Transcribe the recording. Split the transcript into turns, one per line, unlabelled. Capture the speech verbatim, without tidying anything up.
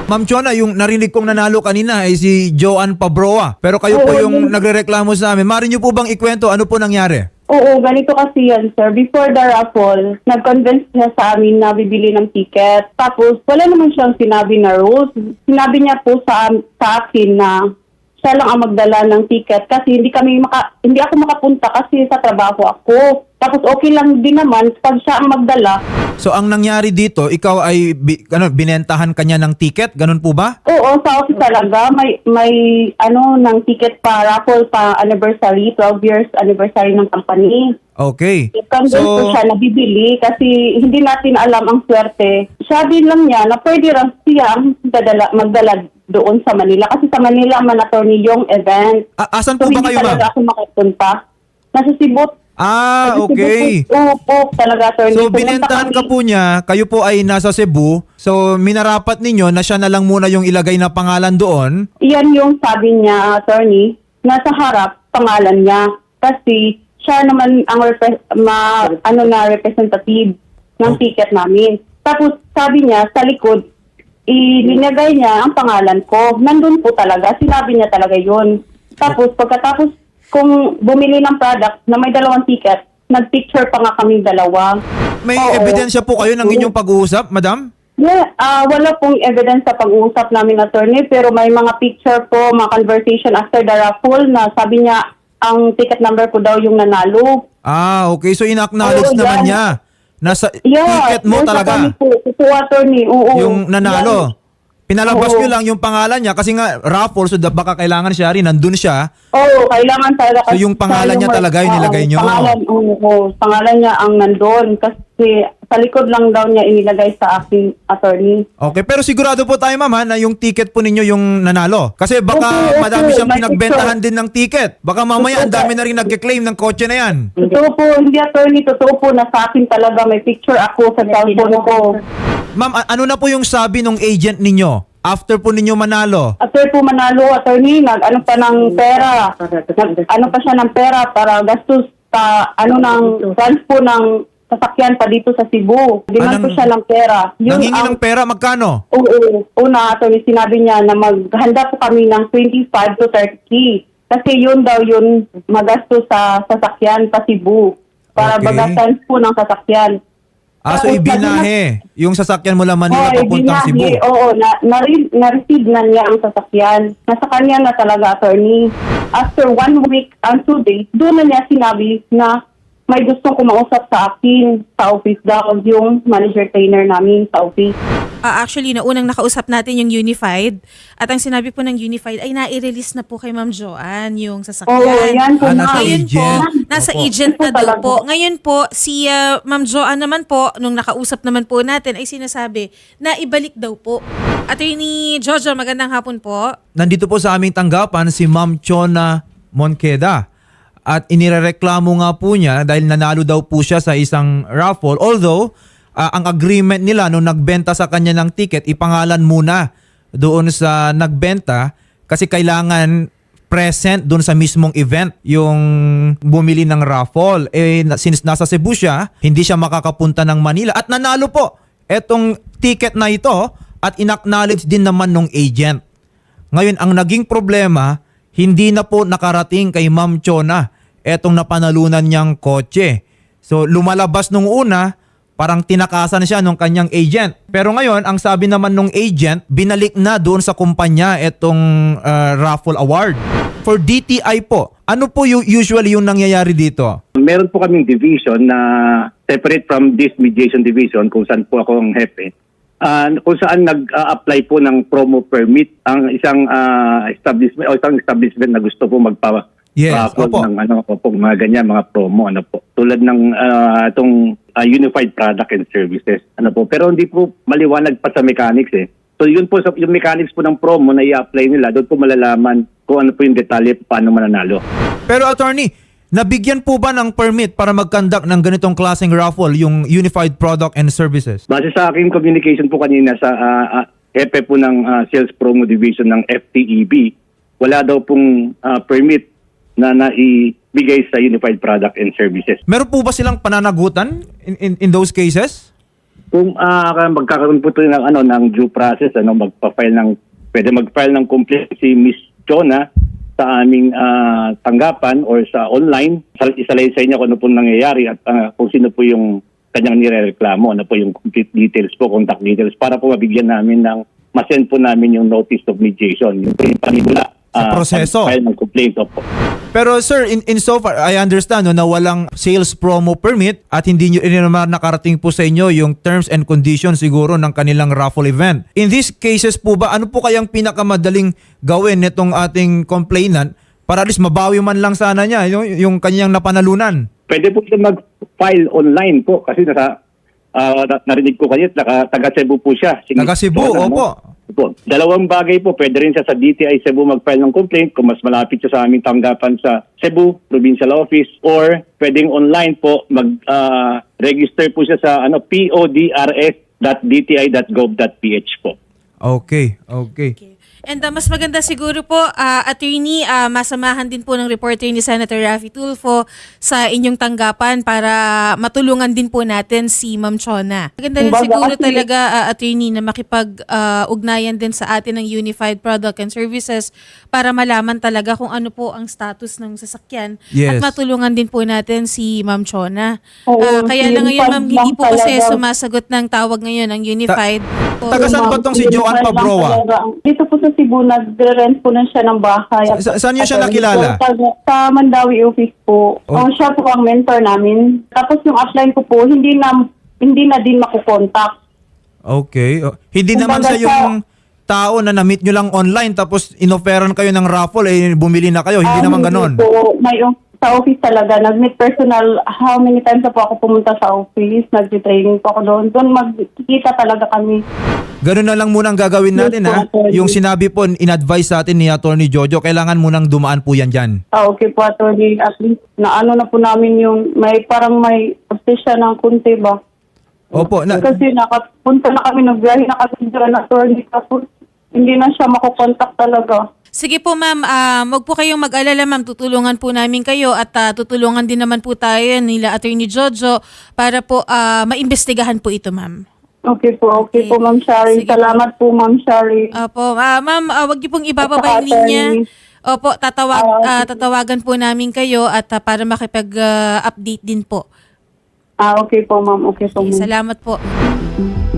Ma'am Chona, yung narinig kong nanalo kanina ay si Joanne Pabroa. Pero kayo po
Oo,
yung
yun.
nagrereklamo sa amin. Mari niyo po bang ikwento ano po nangyari?
Oo, ganito kasi yan, sir. Before the raffle, nag-convince niya sa amin na bibili ng ticket. Tapos, wala naman siyang sinabi na rules. Sinabi niya po sa, sa akin na siya lang ang magdala ng ticket kasi hindi kami maka, hindi ako makapunta kasi sa trabaho ako. Tapos okay lang din naman pag siya ang magdala.
So ang nangyari dito, ikaw ay bi- ano, binentahan kanya ng ticket? Ganun po ba?
Oo, sa office talaga may may ano ng ticket pa raffle pa anniversary, twelve years anniversary ng company.
Okay.
I-convince ko siya na bibili kasi hindi natin alam ang swerte. Sabi lang niya na pwede rin siya dadala, magdala doon sa Manila kasi sa Manila mandatory yung event.
A- asan
So
po ba
hindi
kayo, ma'am?
talaga ako makapunta. Nasa Cebu.
Ah,
Nasa
okay.
Cebu. Oo po, talaga attorney.
So
Pumunta
binentahan ka
kami.
po niya, kayo po ay nasa Cebu. So minarapat ninyo na siya na lang muna yung ilagay na pangalan doon.
Iyan yung sabi niya, attorney, nasa harap pangalan niya kasi siya naman ang repre- ma, ano na representative ng
Oh.
ticket namin. Tapos sabi niya sa likod, ilinagay niya ang pangalan ko. Nandun po talaga, sinabi niya talaga yun. Tapos pagkatapos kung bumili ng product na may dalawang ticket, nag-picture pa nga kami dalawa.
May
Oo.
ebidensya po kayo ng inyong pag-uusap, madam?
Yeah, ah wala pong evidence sa pag-uusap namin, attorney, pero may mga picture po, mga conversation after the raffle na sabi niya ang ticket number ko daw yung nanalo.
Ah, okay. So in-acknowledge
Oo,
naman
yan.
niya. Nasa
Yeah,
ticket mo
yun sa
talaga.
kami po, totoo, attorney. Oo,
Yung nanalo.
Yan.
Pinalabas
Oo.
nyo lang yung pangalan niya kasi nga raffle, so da- baka kailangan siya rin, nandun siya.
Oo, kailangan talaga.
So, yung pangalan niya talaga yung nilagay niyo?
Pangalan, oo, oo, pangalan niya ang nandun kasi sa likod lang daw niya inilagay sa aking attorney.
Okay, pero sigurado po tayo, ma'am, ha, na yung ticket po ninyo yung nanalo. Kasi baka
Oo,
madami
oo,
siyang
may
pinagbentahan din ng ticket. Baka mamaya ang
Oo,
dami na rin nagke-claim ng kotse na yan.
Totoo po, hindi attorney, totoo po na sa akin talaga may picture ako sa cellphone ko.
Ma'am, a- ano na po yung sabi ng agent ninyo after po ninyo manalo?
After po manalo, attorney, nag ano pa ng pera. Nag, ano pa siya ng pera para gastos pa ano ng transpo ng sasakyan pa dito sa Cebu. Demand
Anong-
po siya ng pera.
Nanghingi
ang-
ng pera, magkano?
Oo, una, attorney, sinabi niya na maghanda po kami ng twenty-five to thirty. Kasi yun daw yun magastos sa sasakyan pa Cebu. Para
Okay.
bagasan po ng sasakyan.
Ah, so
Tapos,
ibinahe yung sasakyan mula Manila
Oo,
papuntang Cebu.
binahe. Oo, na, na, na-receive na niya ang sasakyan. Nasa kanya na talaga, attorney. After one week and two days, doon na niya sinabi na may gustong kumausap sa akin sa office daw yung manager trainer namin sa office.
Ah, actually, naunang nakausap natin yung Unified at ang sinabi po ng Unified ay nai-release na po kay Ma'am Joanne yung sasakyan.
Oo, yan po.
Ah, nasa
ma'am.
Ngayon po,
agent.
nasa
Opo.
agent na
Ito
daw
talaga.
po. Ngayon po, si ah, Ma'am Joanne naman po, nung nakausap naman po natin, ay sinasabi na ibalik daw po. Attorney Jojo, magandang hapon po.
Nandito po sa aming tanggapan si Ma'am Chona Moncada. At inirereklamo nga po niya dahil nanalo daw po siya sa isang raffle. Although, ah, ang agreement nila nung nagbenta sa kanya ng ticket, ipangalan muna doon sa nagbenta kasi kailangan present doon sa mismong event yung bumili ng raffle. Eh, na- since nasa Cebu siya, hindi siya makakapunta ng Manila. At nanalo po etong ticket na ito at inacknowledge din naman ng agent. Ngayon, ang naging problema, hindi na po nakarating kay Ma'am Chona etong napanalunan niyang kotse. So, lumalabas nung una, parang tinakasan siya nung kanyang agent. Pero ngayon, ang sabi naman nung agent, binalik na doon sa kumpanya etong uh, raffle award. For D T I po, ano po yung usually yung nangyayari dito?
Meron po kaming division na separate from this mediation division kung saan po ako ang hepe. Ah, kung saan nag-apply po ng promo permit ang isang ah, establishment o isang establishment na gusto po magpa
Yes,
pa-upload
opo.
ng ano po mga ganyan mga promo ano po tulad ng ah, itong ah, Unified Product and Services ano po pero hindi po maliwanag pa sa mechanics eh. So yun po sa yung mechanics po ng promo na i-apply nila doon po malalaman kung ano po yung detalye paano mananalo.
Pero attorney, nabigyan po ba ng permit para mag-conduct ng ganitong klaseng raffle, yung Unified Product and Services?
Base sa aking communication po kanina sa uh, uh, hepe po ng ah, Sales Promo Division ng F T E B, wala daw pong ah, permit na naibigay sa Unified Product and Services.
Meron po ba silang pananagutan in, in, in those cases?
Kung ah, magkakaroon po ito ng, ano, ng due process, ano, magpa-file ng, pwede mag-file ng complaint si Miss Chona sa aming ah, tanggapan or sa online, Sal- isalaysay niya kung ano po nangyayari at ah, kung sino po yung kanyang nirereklamo, ano po yung complete details po, contact details, para po mabigyan namin ng, masend po namin yung notice of mediation, yung po yung panimula
Sa proseso.
file ng complaint po.
Pero sir, in, in so far, I understand no, na walang sales promo permit at hindi nyo rin naman nakarating po sa inyo yung terms and conditions siguro ng kanilang raffle event. In these cases po ba, ano po kayang pinakamadaling gawin nitong ating complainant para at least mabawi man lang sana niya yung, yung kanyang napanalunan?
Pwede po siya mag-file online po kasi nasa, ah, na- narinig ko kanina, naka- taga Cebu po siya. Si
Taga
Miss
Cebu,
Chona,
opo.
no? Po. Dalawang bagay po, pwede rin siya sa D T I Cebu mag-file ng complaint kung mas malapit siya sa aming tanggapan sa Cebu, Provincial Office, or pwedeng online po mag-register po siya sa ano p o d r s dot d t i dot gov dot p h po.
Okay, okay.
Okay. And uh, mas maganda siguro po, uh, attorney, uh, masamahan din po ng reporter ni Senator Raffy Tulfo sa inyong tanggapan para matulungan din po natin si Ma'am Chona. Maganda rin
Kumbaga
siguro
kasi-
talaga, uh, attorney, na makipag-ugnayan din sa atin ng Unified Product and Services para malaman talaga kung ano po ang status ng sasakyan
Yes.
at matulungan din po natin si Ma'am Chona.
Oo,
Uh, kaya lang ngayon, ma'am,
Unified
hindi
lang
po kasi
talaga.
sumasagot ng tawag ngayon ang Unified. So,
taga saan ba tong si Joanne Pabroa?
Dito po sa Cebu, nag-rent po na siya ng bahay.
Sa- saan niyo siya nakilala?
Sa, sa Mandawi office po.
Oh.
Ang siya po ang mentor namin. Tapos yung upline ko po, hindi na hindi na din makukontak.
Okay. O, hindi naman
Kumbaga
sa yung tao na na-meet nyo lang online tapos inofferan kayo ng raffle, eh bumili na kayo. Hindi
Ah,
naman ganon.
Po, may sa office talaga. Nag-meet personal. How many times na po ako pumunta sa office? Nag-training po ako doon. Doon magkikita talaga kami.
Ganun na lang muna ang gagawin natin,
Yes po,
ha?
attorney.
Yung sinabi po, in-advise sa atin ni Attorney Jojo, kailangan munang dumaan po yan dyan.
Ah, okay po, attorney. At least, na ano na po namin yung, may parang may obsesya ng kunti ba?
Opo. Na,
Kasi nakapunta na kami, nagbiyahe na kami dyan, attorney. Tapos, hindi na siya makukontak talaga.
Sige po ma'am, uh, wag po kayong mag-alala ma'am, tutulungan po namin kayo at ah, tutulungan din naman po tayo nila Attorney Jojo para po ah, maimbestigahan po ito ma'am.
Okay po, okay,
Okay.
po, Ma'am Shari.
Sige
Salamat po, Ma'am Shari.
Opo, ah, ma'am, ah, wag niyo pong ibababa
At
yung
saka,
linya.
attorney.
Opo, tatawag,
Ah,
ah, tatawagan po namin kayo at ah, para makipag-update din po.
Ah, okay po, Ma'am. Okay po,
Okay,
Ma'am.
salamat po.